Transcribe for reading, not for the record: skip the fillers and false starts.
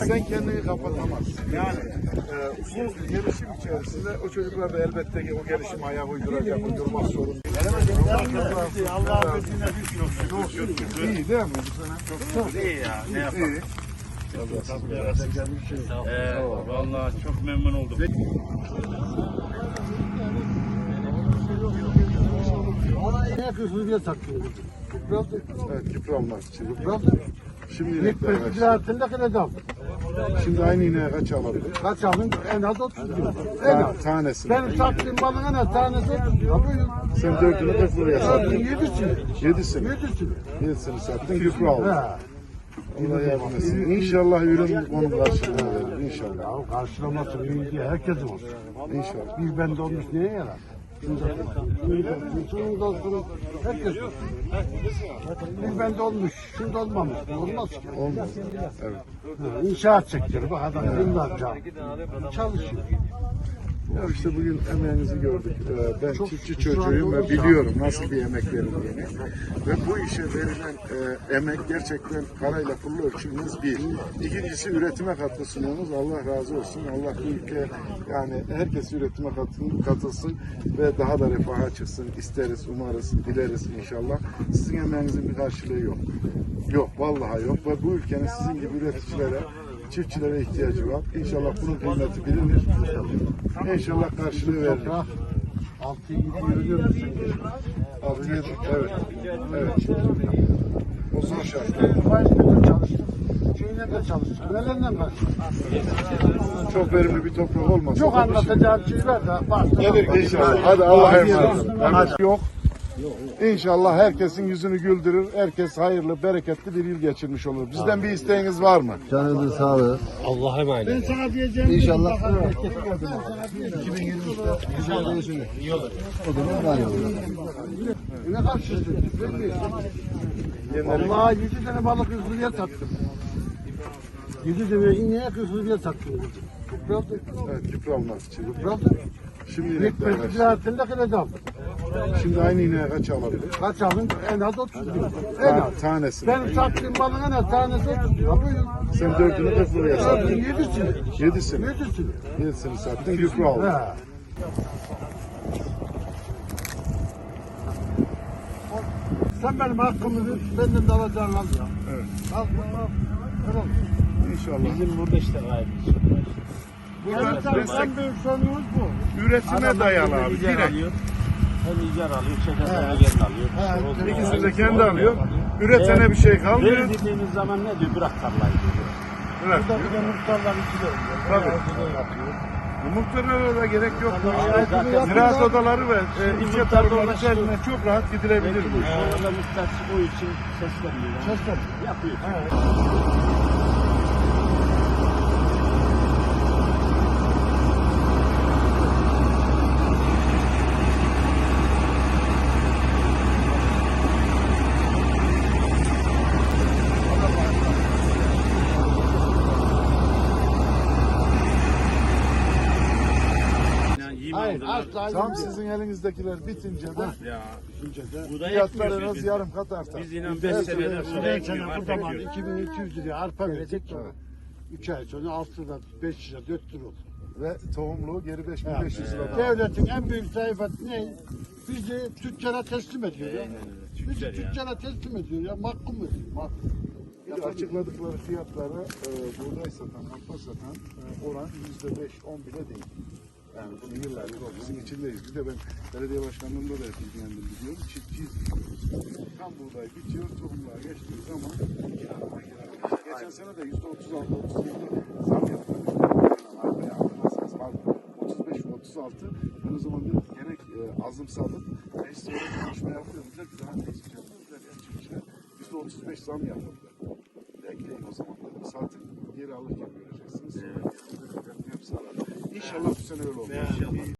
Sen kendini kapatamazsın. Yani bu gelişim içerisinde o çocuklar da elbette ki o gelişime ayak uyduracak, uydurmak zorunda. Allah'ın izniyle düşüyorsun. İyi değil mi bu sene? Çok İyi ya. Ne yapalım? iyi. Vallahi çok memnun oldum. Ne yapıyorsunuz diye takıyoruz. Evet, küpranlar için. Şimdi İlk belki altında kadar şimdi aynı ineğe kaç alabilir? kaç aldın? En az 30 lira. En az. Tanesi. Benim sattığım balın en az tanesi 30 lira. Buyurun. Sen 4'ünü 40 liraya sattın. 7'sini. 7'sini. 7'sini. 7'sini sattın, küpra aldın. Ha. Allah yardım etsin. İnşallah ürün onun karşılığını verir. İnşallah. Ya karşılaması iyi diye herkesin olsun. İnşallah. Bir bende olmuş neye yarar? Şunun da olsun, herkes olsun. Bir bende olmuş, şunda olmamış. Olmaz ki. Olmaz. Evet. İnşaat sektörü, bak adam yıllarca çalışıyor. Ya işte bugün emeğinizi gördük. Ben Çok- çiftçi şu anda çocuğuyum ve olursa- biliyorum nasıl bir emek verildiğini. Ve bu işe verilen emek gerçekten parayla pulla ölçülmez bir. İkincisi üretime katkı sunuyorsunuz. Allah razı olsun. Allah bu ülke yani herkes üretime katılsın ve daha da refaha çıksın. İsteriz, umarız, dileriz inşallah. Sizin emeğinizin bir karşılığı yok. Yok, vallahi yok. Ve bu ülkenin sizin gibi üreticilere, çiftçilere ihtiyacı var. İnşallah bunun kıymeti bilinir. İnşallah karşılığı verilir. 6-7 yürüyor musun? 6-7, evet. Evet. O zor şartlar. Faizle de çalıştım. Şeyle de çalıştım. Nelerden karşılaştım? Çok verimli bir toprak olmasa. Çok da bir şey- anlatacağım şeyler de var. Gelir inşallah. Hadi Allah'a emanet olun. Hadi. Yok. İnşallah herkesin yüzünü güldürür. Herkes hayırlı, bereketli bir yıl geçirmiş olur. Bizden bir isteğiniz var mı? Canınızın sağlığı. Allah'a emanet. Ben sana diyeceğim. İnşallah. 2023'te güzel değişir. İyi olur. O zaman daha iyi olur. ne karşılaştık? Vallahi 7 tane balık hızlıya sattım. 7 tane ineğe hızlıya sattım. Kıpırdı. Evet, küpra almak için. Kıpırdı. Şimdi İlk inekler belki kaç? altında kadar aldım. Şimdi aynı ineğe kaç alabilir? Kaç aldın? En az 30 lira. En az. Tanesi. Benim sattığım balın en az tanesi 30 lira. Buyurun. Sen 4'ünü 40 liraya sattın. 7'sini. 7'sini. 7'sini. 7'sini sattın, küpra aldın. Ha. Sen benim hakkımı benden de alacağını al ya. Evet. Al bunu al. Kral. İnşallah. Bizim burada işte gayet. Burada destek En büyük sorunumuz bu. üretime dayalı abi. İcar Direkt. alıyor. Hem icar alıyor, çekerden geri alıyor. Evet. İkisi de kendi alıyor. Üretene bir şey kalmıyor. Ver dediğimiz zaman ne diyor? Bırak tarlayı diyor. Bırak. Burada bir de muhtarlar içi de oluyor. Tabii. Orada da yapıyor. Muhtarlara da gerek yok. Zaten- Ziraat odaları ve ilçe tarımları ulaştı. üzerine çok rahat gidilebilir bu iş. Orada muhtaç o için sesleniyor. Sesler. Yapıyor. Hayır, asla Tam sizin elinizdekiler bitince de Bu da fiyatlarınız yarım kat artar. Biz inan 5 senedir burada Ben ekmiyor. sana bu zaman 2200 liraya arpa verecek. 3 ay sonra 6 lira, 5 lira, 4 lira olur. Ve tohumluğu geri 5500 lira. Devletin en büyük sayfası ne? Bizi tüccara teslim ediyor ya. Bizi tüccara teslim ediyor ya. Mahkum ediyor. Mahkum. Bir de açıkladıkları fiyatlara buğday satan, arpa satan oran %5-10 bile değil. Yani bunu yıllardır ofisin içindeyiz. Bir de ben belediye başkanlığında da ilgilendim biliyorum. Çiftçiyiz biliyoruz. Tam buğday bitiyor, tohumluğa geçtiği zaman geçen sene de %36-37 zam yaptık. Arpaya hatırlarsanız pardon 35 ve 36. Ben o zaman dedim ki gerek azımsadım. Meclis öyle konuşma yapıyor. Dediler ki daha ne istiyor? Dediler ya çiftçiler %35 zam yapıldı. Bekleyin o zaman dedim. Satın geri alırken göreceksiniz. Hepsi arar. İnşallah bu sene öyle olur.